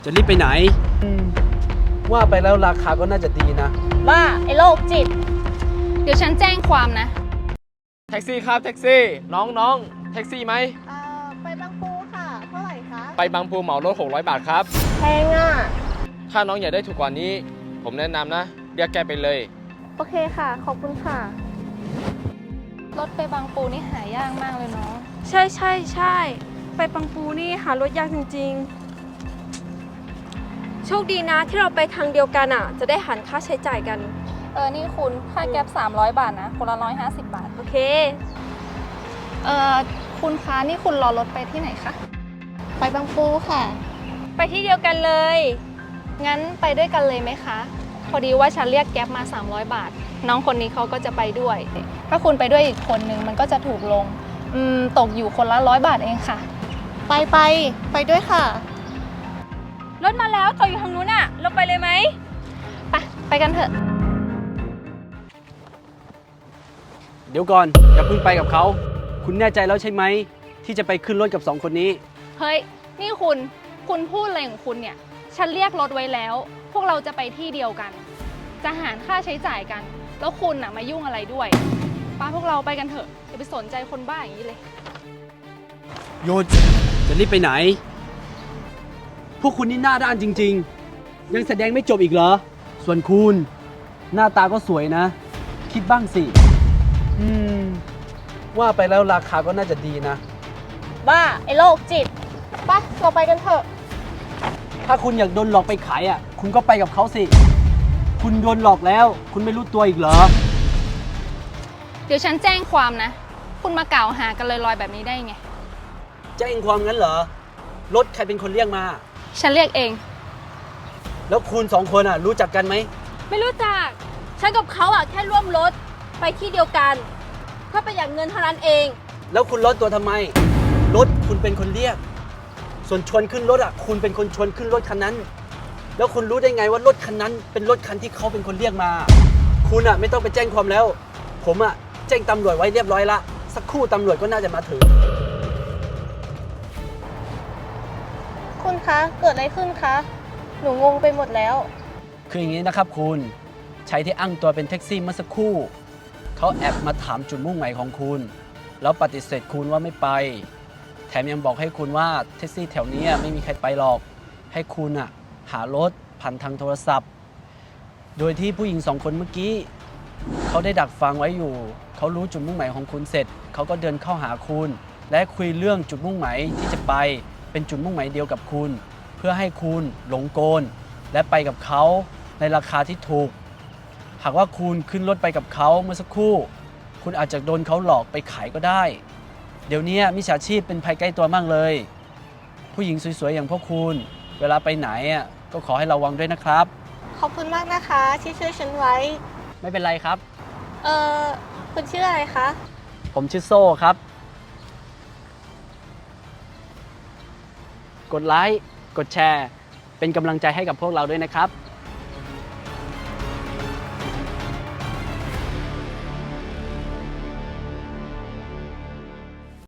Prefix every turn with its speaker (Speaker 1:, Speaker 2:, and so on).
Speaker 1: จะรีบไปไหนว่าไปแล้วราคาก็น่าจะดีนะ
Speaker 2: บ้าไอ้โรคจิต
Speaker 3: เดี๋ยวฉันแจ้งความนะ
Speaker 4: แท็กซี่ครับแท็กซี่น้องแท็กซี่ไหม
Speaker 2: ไปบางปูค่ะเท่าไหร่คะ
Speaker 4: ไปบางปูเหมารถ600 บาทครับ
Speaker 2: แพงอ่ะ
Speaker 4: ถ้าน้องอยากได้ถูกกว่านี้ผมแนะนำนะเรียกแกไปเลย
Speaker 2: โอเคค่ะขอบคุณค่ะ
Speaker 3: รถไปบางปูนี่หายากมากเลยเนาะ
Speaker 5: ใช่ไปบางปูนี่หารถยากจริงๆโชคดีนะที่เราไปทางเดียวกันอ่ะจะได้หันค่าใช้จ่ายกัน
Speaker 3: นี่คุณค่าแก๊ป300 บาทนะคนละ150 บาท
Speaker 5: โอเค
Speaker 3: คุณคะนี่คุณรอรถไปที่ไหนคะ
Speaker 2: ไปบางปูค่ะ
Speaker 5: ไปที่เดียวกันเลย
Speaker 3: งั้นไปด้วยกันเลยไหมคะพอดีว่าฉันเรียกแก๊ปมา300 บาทน้องคนนี้เขาก็จะไปด้วยถ้าคุณไปด้วยอีกคนนึงมันก็จะถูกลงตกอยู่คนละ100 บาทเองค่ะ
Speaker 2: ไปด้วยค่ะ
Speaker 5: รถมาแล้วต่ออยู่ทางนู้นอ่ะเราไปเลยไหม
Speaker 3: ไปกันเถอะ
Speaker 1: เดี๋ยวก่อนอย่าเพิ่งไปกับเขาคุณแน่ใจแล้วใช่ไหมที่จะไปขึ้นรถกับ2 คนนี้
Speaker 3: เฮ้ยนี่คุณพูดอะไรของคุณเนี่ยฉันเรียกรถไว้แล้วพวกเราจะไปที่เดียวกันจะหารค่าใช้จ่ายกันแล้วคุณน่ะมายุ่งอะไรด้วยป้าพวกเราไปกันเถอะอย่าไปสนใจคนบ้าอย่างนี้เลย
Speaker 1: หยุดจะรีบไปไหนพวกคุณนี่หน้าด้านจริงๆยังแสดงไม่จบอีกเหรอส่วนคุณหน้าตาก็สวยนะคิดบ้างสิว่าไปแล้วราคาก็น่าจะดีนะ
Speaker 2: บ้าไอ้โรคจิตไปเราไปกันเถอะ
Speaker 1: ถ้าคุณอยากโดนหลอกไปขายคุณก็ไปกับเขาสิคุณโดนหลอกแล้วคุณไม่รู้ตัวอีกเหรอ
Speaker 3: เดี๋ยวฉันแจ้งความนะคุณมากล่าวหากันลอยๆแบบนี้ได้ไง
Speaker 1: แจ้งความงั้นเหรอรถใครเป็นคนเรียกมา
Speaker 3: ฉันเรียกเอง
Speaker 1: แล้วคุณ2 คนรู้จักกันไหม
Speaker 5: ไม่รู้จักฉันกับเขาแค่ร่วมรถไปที่เดียวกันเพื่อประหยัดเงินเท่านั้นเอง
Speaker 1: แล้วคุณลดตัวทำไมรถคุณเป็นคนเรียกส่วนชวนขึ้นรถคุณเป็นคนชวนขึ้นรถคันนั้นแล้วคุณรู้ได้ไงว่ารถคันนั้นเป็นรถคันที่เขาเป็นคนเรียกมาคุณไม่ต้องไปแจ้งความแล้วผมแจ้งตำรวจไว้เรียบร้อยละสักครู่ตำรวจก็น่าจะมาถึง
Speaker 2: คุณคะเกิดอะไรขึ้นคะหนูงงไปหมดแล้ว
Speaker 1: คืออย่างนี้นะครับคุณชายที่อ้างตัวเป็นแท็กซี่เมื่อสักครู่เขาแอบมาถามจุดมุ่งหมายของคุณแล้วปฏิเสธคุณว่าไม่ไปแถมยังบอกให้คุณว่าแท็กซี่แถวนี้ไม่มีใครไปหรอกให้คุณหารถผ่านทางโทรศัพท์โดยที่ผู้หญิง2 คนเมื่อกี้เขาได้ดักฟังไว้อยู่เขารู้จุดมุ่งหมายของคุณเสร็จเขาก็เดินเข้าหาคุณและคุยเรื่องจุดมุ่งหมายที่จะไปเป็นจุดมุ่งหมายเดียวกับคุณเพื่อให้คุณหลงกลและไปกับเขาในราคาที่ถูกหากว่าคุณขึ้นรถไปกับเขาเมื่อสักครู่คุณอาจจะโดนเขาหลอกไปขายก็ได้เดี๋ยวนี้มิจฉาชีพเป็นภัยใกล้ตัวมากเลยผู้หญิงสวยๆอย่างพวกคุณเวลาไปไหนก็ขอให้ระวังด้วยนะครับ
Speaker 2: ขอบคุณมากนะคะที่ช่วยฉันไว้
Speaker 1: ไม่เป็นไรครับ
Speaker 2: คุณชื่ออะไรคะ
Speaker 1: ผมชื่อโซ่ครับกดไลค์กดแชร์เป็นกำลังใจให้กับพวกเราด้วยนะครับ